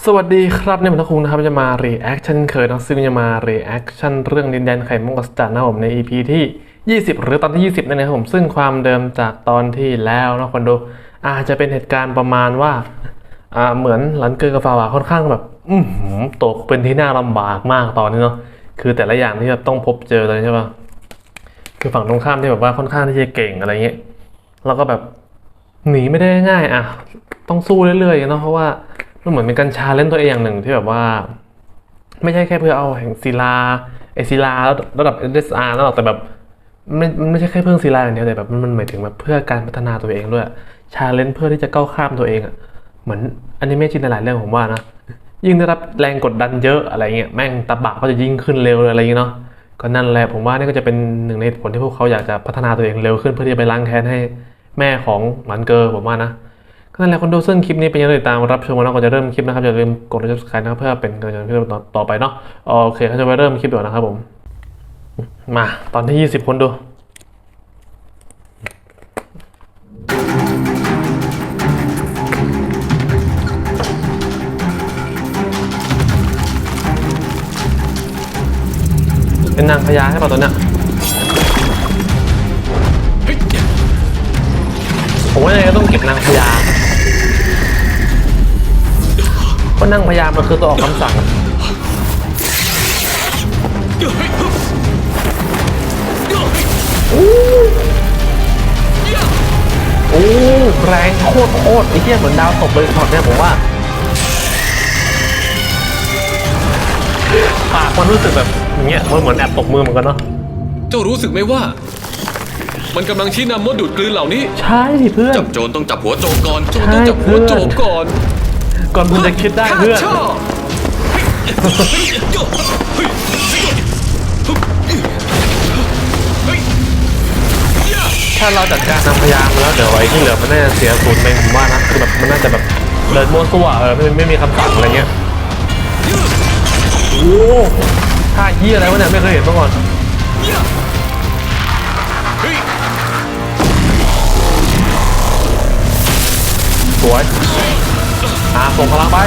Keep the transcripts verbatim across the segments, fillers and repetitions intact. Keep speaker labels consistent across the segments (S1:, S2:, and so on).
S1: สวัสดีครับเนี่ยผมทักคุงนะครับจะมา reaction เคยนะซึ่งจะมา reaction เรื่องดินแดนไข่มุกอัศจรรย์นะผมใน อี พี ที่ยี่สิบหรือตอนที่ยี่สิบนั่นเองครับผมซึ่งความเดิมจากตอนที่แล้วนะคนดูอาจจะเป็นเหตุการณ์ประมาณว่าอ่าเหมือนหลันเกอร์กับฟาวาค่อนข้างแบบอืมตกเป็นที่น่าลำบากมากตอนนี้เนาะคือแต่ละอย่างที่แบบต้องพบเจอเลยใช่ป่ะคือฝั่งตรงข้ามที่แบบว่าค่อนข้างที่จะเก่งอะไรเงี้ยแล้วก็แบบหนีไม่ได้ง่ายอ่ะต้องสู้เรื่อยๆเนาะเพราะว่ามันเหมือนเป็นการชาเลนจ์ตัวเองอย่างหนึ่งที่แบบว่าไม่ใช่แค่เพื่อเอาแห่งศิลาไอศิลาระดับ เอส เอส อาร์ แล้วหรอกแต่แบบไม่มันไม่ใช่แค่เพื่อศิลาอย่างเดียวแต่แบบมันหมายถึงแบบเพื่อการพัฒนาตัวเองด้วยชาเลนจ์เพื่อที่จะก้าวข้ามตัวเองอ่ะเหมือนอนิเมะจีนหลายเรื่องผมว่านะยิ่งได้รับแรงกดดันเยอะอะไรเงี้ยแม่งตะบะก็จะยิ่งขึ้นเร็วอะไรเงี้ยเนาะก็นั่นแหละผมว่านี่ก็จะเป็นหนึ่งในผลที่พวกเขาอยากจะพัฒนาตัวเองเร็วขึ้นเพื่อที่จะไปล้างแค้นให้แม่ของหมันเกอร์ผมว่านะก็นั่นแหละคนดูซึ่งคลิปนี้เป็นยังไงติดตามรับชมกันก่อนจะเริ่มคลิปนะครับอย่าลืมกดไลค์ ซับสไครบ์ นะครับเพื่อเป็นกำลังใจให้เราต่อไปเนาะโอเคเขาจะไปเริ่มคลิปก่อนนะครับผมมาตอนที่ยี่สิบคนดูเป็นนางพญาใช่ป่ะตัวเนี้ยผมว่ายังไงก็ต้องเก็บนางพญาเพราะนางพญามันคือตัวออกคำสั่งอู้อู้แรงโคตรโคตรไอ้เหี้ยเหมือนดาวตกเลยช็อตเนี่ยผมว่าปากมันรู้สึกแบบอย่างเงี้ยมันเหมือนแอบตกมือเหมือนกันเนาะ
S2: เจ้ารู้สึกไหมว่ามันกำลังชี้นำมดดูดกลืนเหล่านี้
S1: ใช่เพื่อน
S2: จับโจรต้องจับหัวโจรก่อนโจรต้องจับหัวโจรก่อน
S1: ก่อนคุณจะคิดได้เพื่อนถ้าเราจัดการนำพยามแล้วเดี๋ยวไอ้ที่เหลือมันน่าจะเสียศูนย์ไปผมว่านะคือแบบมันน่าจะแบบเดินมั่วซั่วเออไม่ไม่มีคำสั่งอะไรเงี้ยโอ้ท่าเหี้ยอะไรวะเนี่ยไม่เคยเห็นมาก่อนสวยอ่าส่งพลังไป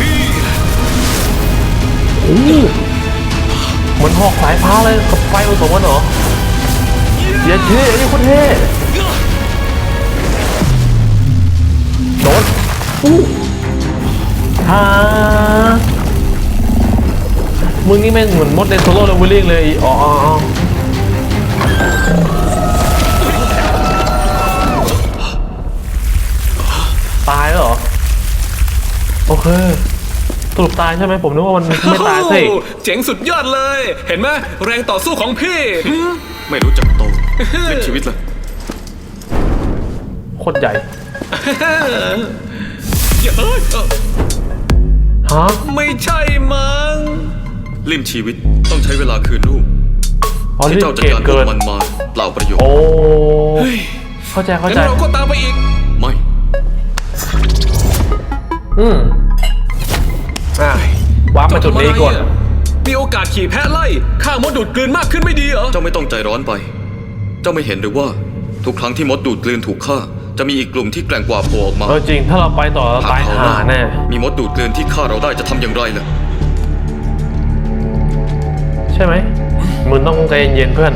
S1: โอ้เหมือนหอกสายฟ้าเลยกับไฟผสมกันเหรอเย้เท่นี่โคตรเท่โดนอู้ฮ่ามึงนี่แม่งเหมือนมดในโซโล่เลเวลลิ่งเลยอ๋อตายแล้วเหรอโอเคสรุปตายใช่ไหมผมนึกว่ามันไม่ตายสิ
S2: เจ๋งสุดยอดเลยเห็นไหมแรงต่อสู้ของพี่ไม่รู้จักโตเล่นชีวิตเลย
S1: โคตรใหญ่ฮะ
S2: ไม่ใช่มั้งลิ่มชีวิตต้องใช้เวลาคืนลูกที่เจ้าจัดการพวกมันมาเปล่าประโยชน์
S1: โอ้เข้าใจเข้าใจ
S2: งั้นเราก็ตามไปอีกไม่
S1: อืมอ่ะวางมาจุดนี้ก่อน
S2: มีโอกาสขี่แพะไล่ฆ่ามดดูดกลืนมากขึ้นไม่ดีเหรอเจ้าไม่ต้องใจร้อนไปเจ้าไม่เห็นหรือว่าทุกครั้งที่มดดูดกลืนถูกฆ่าจะมีอีกกลุ่มที่แกร่งกว่าโผล่ออกมา
S1: เออจริงถ้าเราไปต่อเราตายห่าแน่
S2: มีมดดูดกลืนที่ฆ่าเราได้จะทำอย่างไรล่ะ
S1: ใช่ไหมมึงต้องใจเย็นๆเพื่อน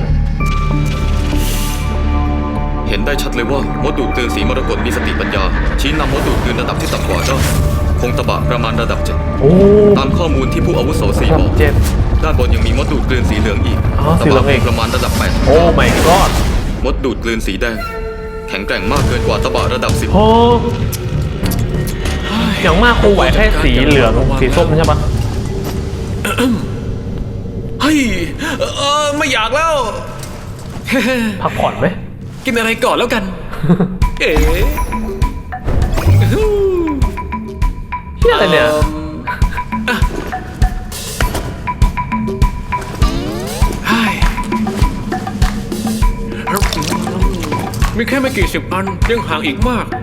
S2: เห็นได้ชัดเลยว่ามดดูดกลืนสีมรกตมีสติปัญญาชี้นำมดดูดกลืนระดับที่ต่ำกว่าได้คงตะบะประมาณระดับเจ็ดตามข้อมูลที่ผู้อาวุโสสีบอกด้านบนยังมีมดดูดกลืนสีเหลืองอีกตะบะประมาณระดับแปด
S1: โอ้ my god
S2: มดดูดกลืนสีแดงแข็งแกร่งมากเกินกว่าตะบะระดับสิบ
S1: โอ้อย่างมากคงไหวแค่สีเหลืองสีส้มใช่ปะ
S2: เฮ้ยเออไม่อยากแล้ว
S1: พักผ่อนไหม
S2: กินอะไรก่อนแล้วกันเอ๋
S1: ที่อะไรเนี่ย
S2: มีแค่ไม่กี่สิบอันยังห่างอีกมาก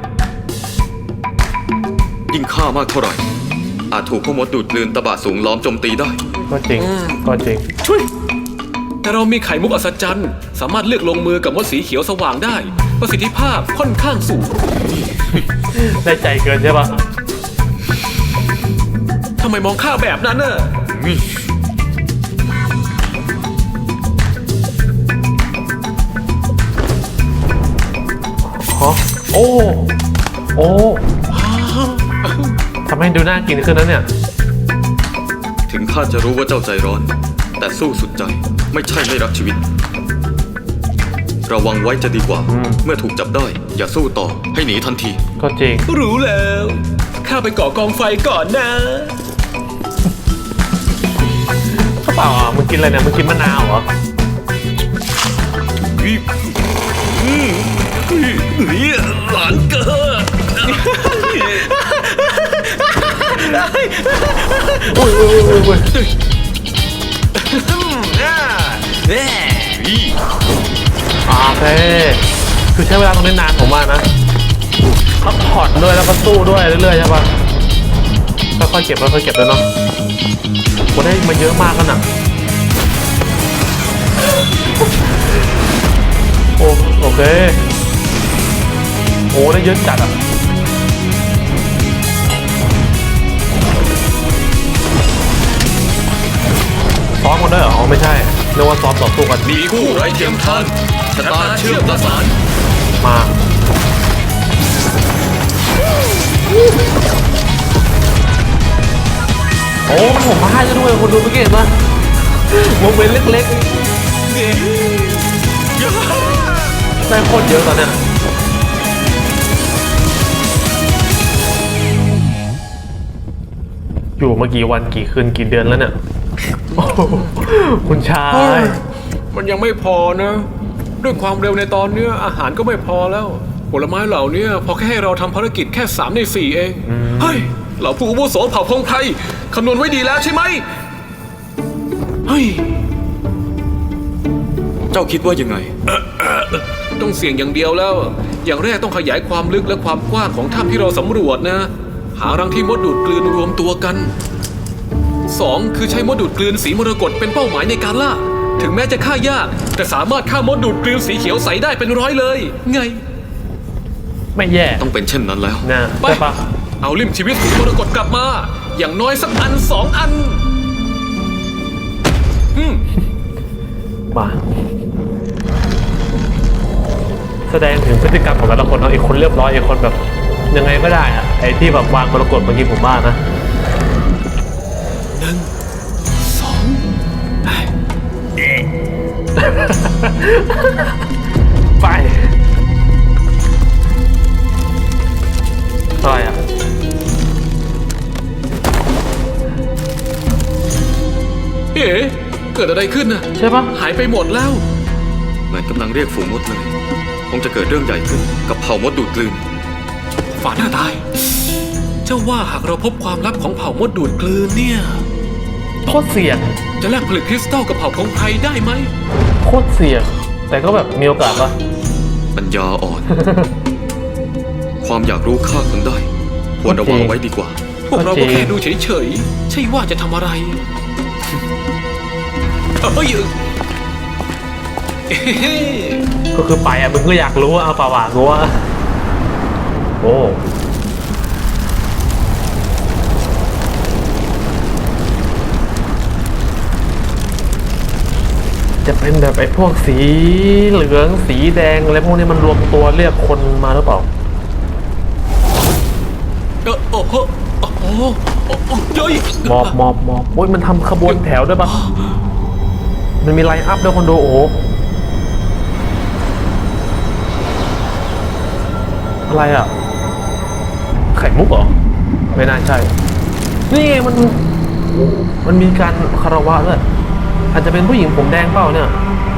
S2: ยิ่งฆ่ามากเท่าไหร่อาจถูกพวกมดดูดกลืนตะบะสูงล้อมโจมตีได้
S1: ก็จริงก็จริง
S2: ช่วยแต่เรามีไข่มุกอัศจรรย์สามารถเลือกลงมือกับมดสีเขียวสว่างได้ประสิทธิภาพค่อนข้างสูง
S1: ได้ใจเกินใช่ปะ
S3: ไมมองข้าแบบนั้นน่ะ
S2: นี่
S1: ฮะโอ้โอ้ทำให้ดูน่ากินขึ้นนะเนี่ย
S2: ถึงข้าจะรู้ว่าเจ้าใจร้อน แต่สู้สุดใจไม่ใช่ไม่รักชีวิต ระวังไว้จะดีกว่า เมื่อถูกจับได้ อย่าสู้ต่อให้หนีทันที
S1: ก็จริง
S3: รู้แล้วข้าไปก่อกองไฟก่อนนะ
S1: เขาเปล่าอ่ะมึงกินอะไรเนี่ยมึงกินมะนาวเหรอ
S3: นี่หลานเกิด
S1: อุ้ยอุ้ยอุ้ยอุ้ย อ่าโอเคคือใช้เวลาตรงนี้นานผมมากนะพักผ่อนด้วยแล้วก็สู้ด้วยเรื่อยๆใช่ปะค่อยๆเก็บค่อยๆเก็บเลยเนาะผมได้มาเยอะมากกันอ่ะโอ้โอเคโอ้ได้เยอะจัดอ่ะซ้อมกันด้วยเหรออ๋อไม่ใช่เรียกว่าซ้อมต่อสู้กัน
S2: มีคู่ไร้เทียมทานชะตาเชื่อมประสาน
S1: มาโอ้มันผมมาให้จะด้วยคนดูเมื่อกี้เห็นปะวงเว้นเล็กๆได้โคตรเยอะตอนเนี้ยอยู่มากี่วันกี่คืนกี่เดือนแล้วเนี่ยโอ้โหคุณชาย
S3: มันยังไม่พอนะ ด้วยความเร็วในตอนเนี้ยอาหารก็ไม่พอแล้ว ผลไม้เหล่านี้พอแค่ให้เราทำภารกิจแค่สามในสี่เองเฮ้ยเหล่าผู้อาวุโสเผ่าพงไพรคำนวณไว้ดีแล้วใช่ไหมเฮ้ย
S2: เจ้าคิดว่ายังไง
S3: ต้องเสี่ยงอย่างเดียวแล้ว อย่างแรกต้องขยายความลึกและความกว้างของถ้ำที่เราสำรวจนะ หารังที่มดดูดกลืนรวมตัวกันสองคือใช้มดดูดกลืนสีมรกตเป็นเป้าหมายในการล่า ถึงแม้จะฆ่ายาก แต่สามารถฆ่ามดดูดกลืนสีเขียวใสได้เป็นร้อยเลย ไง
S1: ไม่แย่
S2: ต้องเป็นเช่นนั้นแล้ว
S1: นะ
S3: ไป
S1: ใช่ปะ
S3: เอาลิ่มชีวิตสีมรกตกลับมา อย่างน้อยสักอันสองอัน อืม
S1: มาแสดงถึงพฤติกรรมของแต่ละคนเนาะอีกคนเรียบร้อยอีกคนแบบยังไงก็ได้อะไอ้ที่แบบวางมรกตเมื่อกี้ผมว่านะ
S3: หนึ่งสองเอ้ย
S1: ไปอะไรอ่ะ
S3: เอ๋เกิดอะไรขึ้นน่ะ
S1: ใช่ปะ
S3: หายไปหมดแล้ว
S2: เหมือนกำลังเรียกฝูงมดเลย คงจะเกิดเรื่องใหญ่ขึ้นกับเผ่ามดดูดกลืน
S3: ฝาหน้าตาย เจ้าว่าหากเราพบความลับของเผ่ามดดูดกลืนเนี่ย
S1: โคตรเสี่ยง
S3: จะแลกผลึกคริสตัลกับเผ่าพงไพรได้ไหม
S1: โคตรเสี่ยง แต่ก็แบบมีโอกาสปะ
S2: ปัญญาอ่อน ความอยากรู้ฆ่าคนได้ ควรระวังไว้ดีกว่า
S3: พวกเราก็แค่ดูเฉยๆ ใช่ว่าจะทำอะไร เฮ้ยเอ้
S1: ก็คือไปอ่ะมึงก็อยากรู้ว่าเอาป่าวะกูว่าโอ้จะเป็นแบบไอ้พวกสีเหลืองสีแดงอะไรพวกนี้มันรวมตัวเรียกคนมาหรือเปล่า
S3: เออโอ้โหโอ้โหโอ้โหเฮ้ย
S1: มอบมอบมอบโอ้ยมันทำขบวนแถวด้วยปะมันมีไลน์อัพด้วยคนดูโอ้โหอะไรอ่ะ ไข่มุกเหรอ ไม่น่าใช่ นี่ไงมันมันมีการคารวะด้วยอาจจะเป็นผู้หญิงผมแดงเปล่าเนี่ย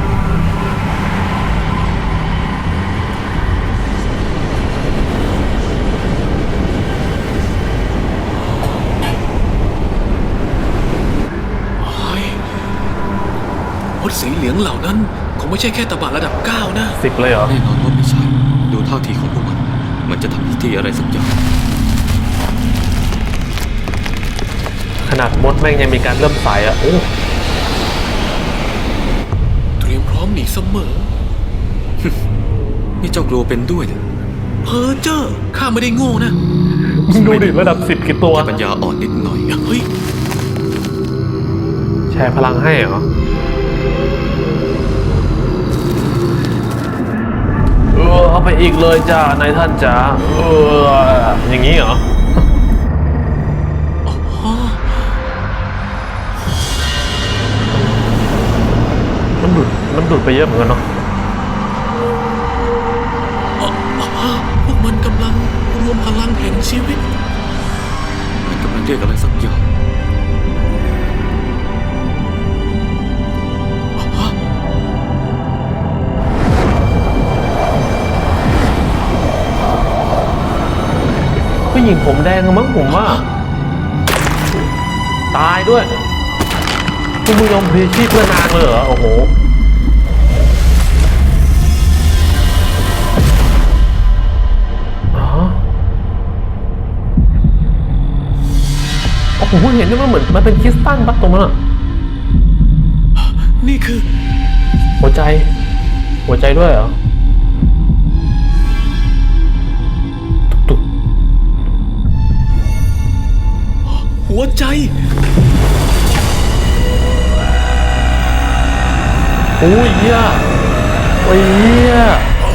S3: มดสีเหลืองเหล่านั้นคงไม่ใช่แค่ตบะระดับเก้านะ
S1: สิบเลยเหรอ
S2: แน่นอนว่าไม่ใช่ ดูท่าทีของพวกมัน มันจะทำพิธีอะไรสักอย่าง
S1: ขนาดมดแม่งยังมีการเริ่มสายอ่ะ โอ้
S3: เตรียมพร้อมหนีเสมอ
S2: นี่เจ้ากลัวเป็นด้วยเหรอ
S3: เพ้อเจ้อข้าไม่ได้โง่นะ
S1: มึงดูดิระดับสิบกี่ตัว
S2: ปัญญาอ่อนนิดหน่อย
S3: เฮ้ย
S1: แชร์พลังให้เหรอเออเอาไปอีกเลยจ้านายท่านจ๋าเอออย่างนี้เหรอมันดูดมันดูดไปเยอะเหมือนกันเนาะ
S3: พวกมันกำลังรวมพลังแห่งชีวิต
S2: มันกำลังเรียกอะไรสักอย่าง
S1: ผู้หญิงผมแดงมั้งผมว่า ตายด้วยคุณมึงยอมพลีชีพเพื่อนางเลยเหรอ โอ้โหอ๋อโอ้โหผมเห็นว่ามันเหมือนมันเป็นคริสตัลปะตรงนั้นอะ
S3: นี่คือ
S1: หัวใจ หัวใจด้วยเหรอ ตุก
S3: หัวใจ
S1: ๆโอ้ยเหี้ยโอ้ยเหี้ย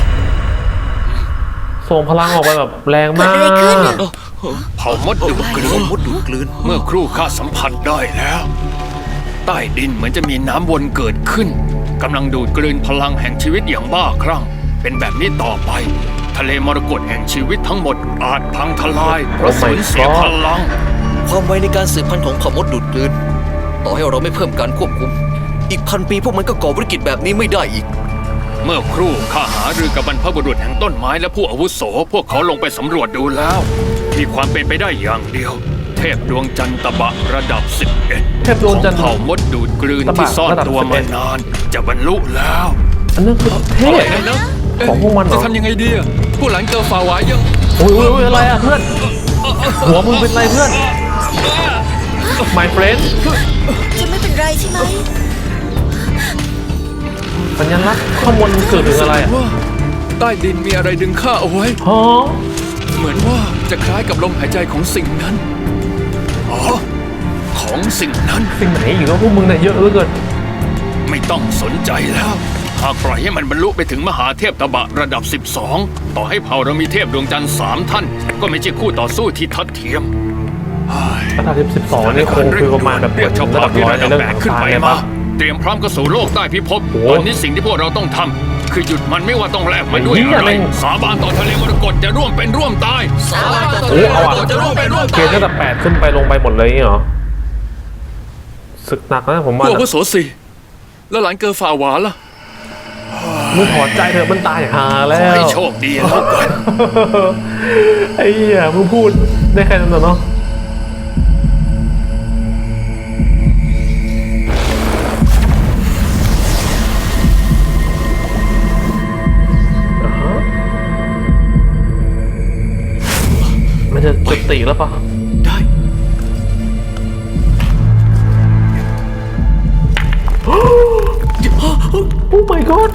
S1: ส่งพลังออกไปแบบแรงมาก
S4: เผ่ามดดูดกลืนมดดูดกลืนเมื่อครู่ข้าสัมผัสได้แล้ว ใต้ดินเหมือนจะมีน้ำวนเกิดขึ้นกำลังดูดกลืนพลังแห่งชีวิตอย่างบ้าคลั่งเป็นแบบนี้ต่อไป ทะเลมรกตแห่งชีวิตทั้งหมดอาจพังทลายเพราะ
S1: Oh my
S4: สูญเสีย
S1: God
S4: พลัง
S5: ความไวในการสืบพันธุ์ของเผ่ามดดูดกลืน ต่อให้เราไม่เพิ่มการควบคุม อีกพันปีพวกมันก็ก่อวิกฤตแบบนี้ไม่ได้อีก
S4: เมื่อครู่ข้าหารือกับบรรพบุรุษแห่งต้นไม้และผู้อาวุโสพวกเขาลงไปสำรวจดูแล้วมีความเป็นไปได้อย่างเดียว เทพดวงจันทร์ตะบะระดับสิบเอ็ด
S1: เทพดวงจันทร์
S4: เผ่ามดดูดกลืน
S1: ตะบะ
S4: ที่ซ่อน
S1: ระดับ
S4: ตัว
S1: สิบเอ็
S4: มา
S1: ด
S4: นานจะบรรลุแล้ว
S1: อันนั้นคือเทพของพวกมันเหร
S3: จะ
S1: อ
S3: ทำยังไงดีอะผู้หลังเจอฝ่าหวายยัง
S1: โอ้ยโอ้ยโอ้ยอะไรอ่ะเพื่อน หัวมึงเป็นไรเพื่อน my friend
S6: จะไม่เป็นไรใช่ไหม
S1: สัญลักษณ์ข้อมูลมันเกิดถึงอะไรอ่ะ
S3: ว่าใต้ดินมีอะไรดึงข้าเอาไว้
S1: ฮะ
S3: เหมือนว่าจะคล้ายกับลมหายใจของสิ่งนั้น
S4: อ๋อ ของสิ่งนั้น
S1: สิ่งไหนอีกแล้วพวกมึงเนี่ยเยอะเหลือเกิน
S4: ไม่ต้องสนใจแล้ว หากปล่อยให้มันบรรลุไปถึงมหาเทพตบะระดับ สิบสอง ต่อให้เผ่าเรามีเทพดวงจันทร์สามท่าน ก็ไม่ใช่คู่ต่อสู้ที่ทัดเทียม
S1: ระดับสิบสองนี่คงคือประมาณแบบ
S4: เรียกชาว
S1: ระ
S4: เผ่า
S1: ดับ
S4: ที่
S1: ร้อย
S4: ระ
S1: ใน
S4: ดับ
S1: เรื่อง
S4: แบ
S1: ข
S4: ก
S1: อง
S4: ขึ้น
S1: ตาย
S4: ไป
S1: เลย
S4: มา
S1: ปะ
S4: เตรียมพร้อมก็สู่โลกใต้พิภพ
S1: โอ้
S4: ตอนนี้สิ่งที่พวกเราต้องทำคือหยุดมันไม่ว่าต้องแลกมันด้วย
S1: ไอ้เหี้ย
S4: อะไร
S1: แม่ง
S4: สาบานต่อทะเลมรกตจะร่วมเป็นร่วมตาย
S3: สาบานต่อ
S1: โอ้เอาอ่ะ
S3: จะร่วมเป็นร่วม
S1: เกณฑ์ระดับแปดขึ้นไปลงไปหมดเลยอย่างงี้เหรอศึกหนักนะผมว่า
S3: พวกอาวุโสสี่แล้วหลานเกอฝ่าหวานล่ะ
S1: มึงถอดใจเถอะมันตายหาแล้
S4: ขอ
S1: ว
S4: ให้โชคดีแล้วกัน
S1: ไอ้เหี้ยมึงพูดได้แค่นั้นเหรอเนาะอ่าฮะมันจะจุติแล้วปะ
S3: ได้
S1: โอ้ my god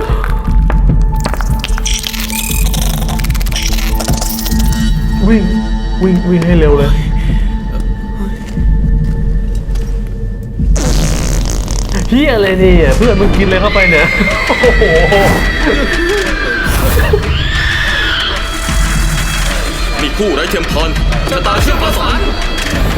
S1: วิ่งวิ่งวิ่งให้เร็วเลยเฮียอะไรเนี่ยเพื่อนมึงกินเลยเข้าไปเนี่ยโอ้โห
S2: มีผู้ไร้เทียมทานชะตาเชื่อมประสาน
S1: แม่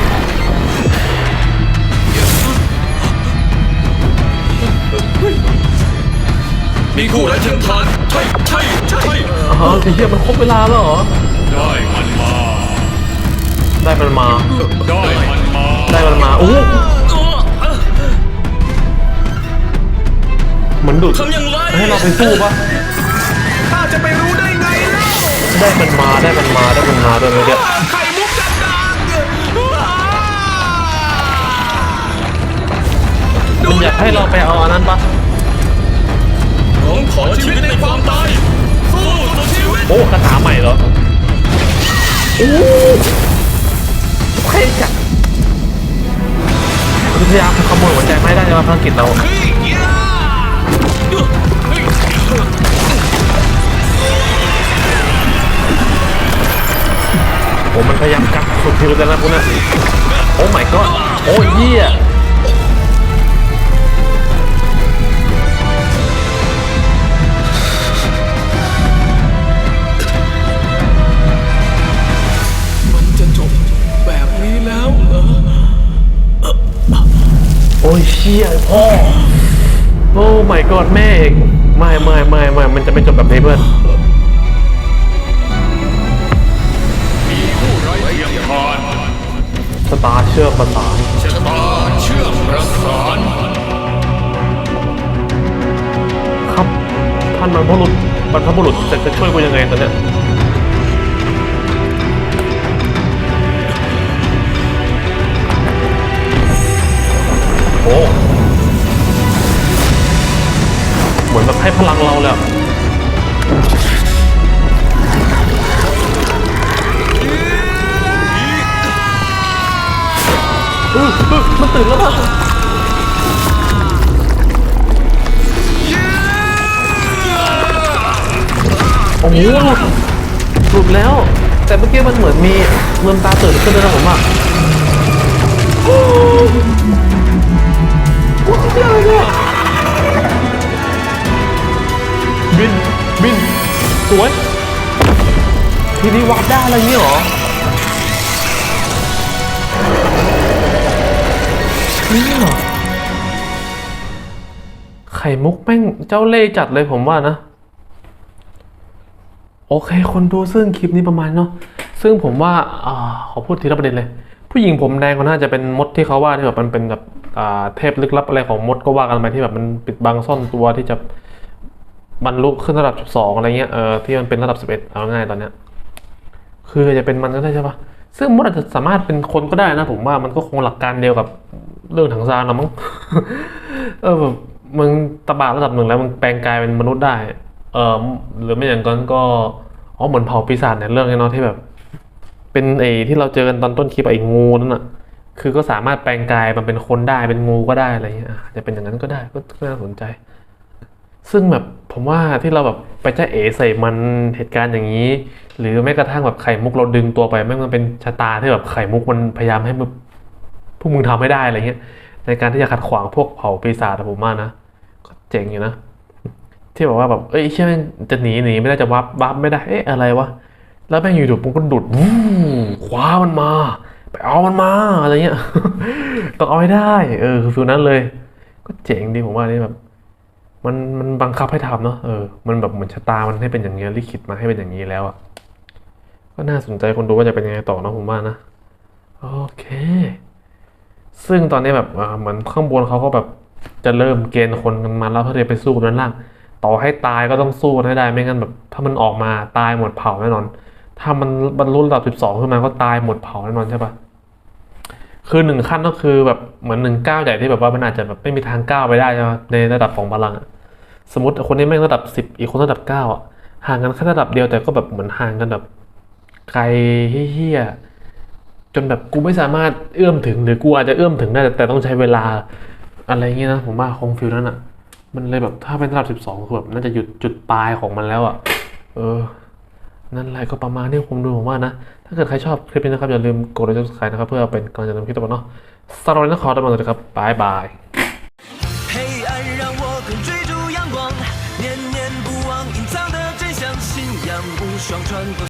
S2: มีผู้ไร้เทียมทานใช่ใช่ใช่
S1: อ๋อไอ้เฮียมันครบเวลาแล้วเหรอ
S4: ได้มันมา
S1: ได้มันมา
S4: ได้มันมา
S1: ได้มันมาโอ้เหมือนดูด
S2: ทำอย่างไร
S1: ให้เราไปสู้ปะ
S3: ข้าจะไปรู้ได้ไงเล่า
S1: ได้มันมาได้มันมาได้มันมาด้วยเมื่อกี้
S3: ไข่มุกกันดาง
S1: มันอยากให้เราไปเอาอันนั้นปะ
S2: ร้องขอชีวิตในความตายสู้สุดชีวิต
S1: โอ้คาถาใหม่เหรอโอ้เท่จัดพยายามขโมยหัวใจไม่ได้ในภารกิจเราโอ้มันพยายามกัดสุดทีเลยนะพวกนั้นโอ้ my god โอ้เหี้ย
S3: มันจะจบแบบนี้แล้วเหรอ
S1: โอ้ยเชี่ยพ่อโอ้ my god แม่เองไม่ไม่ไม่ไม่มันจะไม่จบแบบนี้เพื่อน
S4: มีผู้ไร้เทียมทาน
S1: สตาร์เชื่อมประสาน
S4: ชะตาเชื่อมประสาน
S1: ครับท่านบรรพบุรุษบรรพบุรุษจะจะช่วยกูยังไงตอนเนี้ยโอ้เหมือนแบบให้พลังเราเลยอะเออเออมันตื่นแล้วป่ะโอ้โหหลุดหลุดแล้ว แต่เมื่อกี้มันเหมือนมีเงินตาตื่นขึ้นเลยนะผมอ่ะโอ้โหเยอะเลยเนี่ยบินบินสวยทีนี้วัดได้อะไรเงี้ยเหรอนี่เหรอไข่มุกแม่งเจ้าเล่ห์จัดเลยผมว่านะโอเคคนดูซึ่งคลิปนี้ประมาณเนาะซึ่งผมว่าอ่าขอพูดทีละประเด็นเลยผู้หญิงผมแดงก็น่าจะเป็นมดที่เขาว่าที่แบบมันเป็นแบบอ่าเทพลึกลับอะไรของมดก็ว่ากันไปที่แบบมันปิดบังซ่อนตัวที่จะบรรลุขึ้นระดับสิบสองอะไรเงี้ยเออที่มันเป็นระดับสิบเอ็ดเอาง่ายตอนเนี้ยคือจะเป็นมันก็ได้ใช่ปะซึ่งมดอาจจะสามารถเป็นคนก็ได้นะผมว่ามันก็คงหลักการเดียวกับเรื่องถังซานนะมั้ง เออแบบมึงตะบะระดับหนึ่งแล้วมึงแปลงกายเป็นมนุษย์ได้เออหรือไม่อย่างนั้นก็อ๋อเหมือนเผ่าปีศาจในเรื่องนี้เนาะที่แบบ เป็นไอ้ที่เราเจอกันตอนต้นคลิปไอ้งูนั่นน่ะคือก็สามารถแปลงกายมันเป็นคนได้เป็นงูก็ได้อะไรเงี้ยอาจจะเป็นอย่างนั้นก็ได้ก็น่าสนใจ ซึ่งแบบผมว่าที่เราแบบไปจ้าเอ๋ใส่มันเหตุการณ์อย่างนี้ หรือแม้กระทั่งแบบไข่มุกเราดึงตัวไปไม่มันเป็นชะตาที่แบบไข่มุกมันพยายามให้มึงพวกมึงทำให้ได้อะไรเงี้ยในการที่จะขัดขวางพวกเผ่าปีศาจผมว่านะก็เจ๋งอยู่นะที่บอกว่าแบบเอ้ยเชื่อมันจะหนีหนีไม่ได้จะวับวับไม่ได้เอ๊ะอะไรวะแล้วแม่งอยู่ๆมันก็ดุดวู้คว้ามันมาไปเอามันมาอะไรเงี้ย ต้องเอาให้ได้เออคือฟิลนั้นเลย ก็เจ๋งดีผมว่านี่แบบมันมันบังคับให้ทำเนาะเออมันแบบเหมือนชะตามันให้เป็นอย่างนี้ลิขิตมาให้เป็นอย่างนี้แล้วอ่ะก็น่าสนใจคนดูว่าจะเป็นยังไงต่อเนาะผมว่านะโอเค ซึ่งตอนนี้แบบอ่าเหมือนข้างบนเขาก็แบบจะเริ่มเกณฑ์คนกันมาแล้วเพื่อจะไปสู้กันด้านล่างต่อให้ตายก็ต้องสู้กันให้ได้ไม่งั้นแบบถ้ามันออกมาตายหมดเผ่าแน่นอน ถ้ามันบรรลุระดับสิบสองขึ้นมาก็ตายหมดเผ่าแน่นอนใช่ปะคือหนึ่งขั้นก็คือแบบเหมือนหนึ่งก้าวใหญ่ที่แบบว่ามันอาจจะแบบไม่มีทางก้าวไปได้ใช่ไหมในระดับของพลังอะสมมติคนนี้แม่งระดับสิบอีกคนระดับเก้าอ่ะห่างกันแค่ระดับเดียวแต่ก็แบบเหมือนห่างกันแบบไกลเฮี้ยๆจนแบบกูไม่สามารถเอื้อมถึงหรือกูอาจจะเอื้อมถึงได้แต่แต่ต้องใช้เวลาอะไรเงี้ยนะผมว่าคงฟิลนั้นอ่ะมันเลยแบบถ้าเป็นระดับสิบสองคือแบบน่าจะหยุดจุดปลายของมันแล้วอ่ะเออนั่นแหละก็ประมาณนี้ผมดูผมว่านะถ้าเกิดใครชอบคลิปนี้นะครับอย่าลืมกดไลค์กด ซับสไครบ์ นะครับเพื่อเป็นกำลังใจทำคลิปต่อไปเนาะสำหรับวันนี้ขอตัวลาไปก่อนครับบ๊ายบาย
S7: 黑暗让我更追逐阳光，念念不忘隐藏的真相，信仰无双穿过。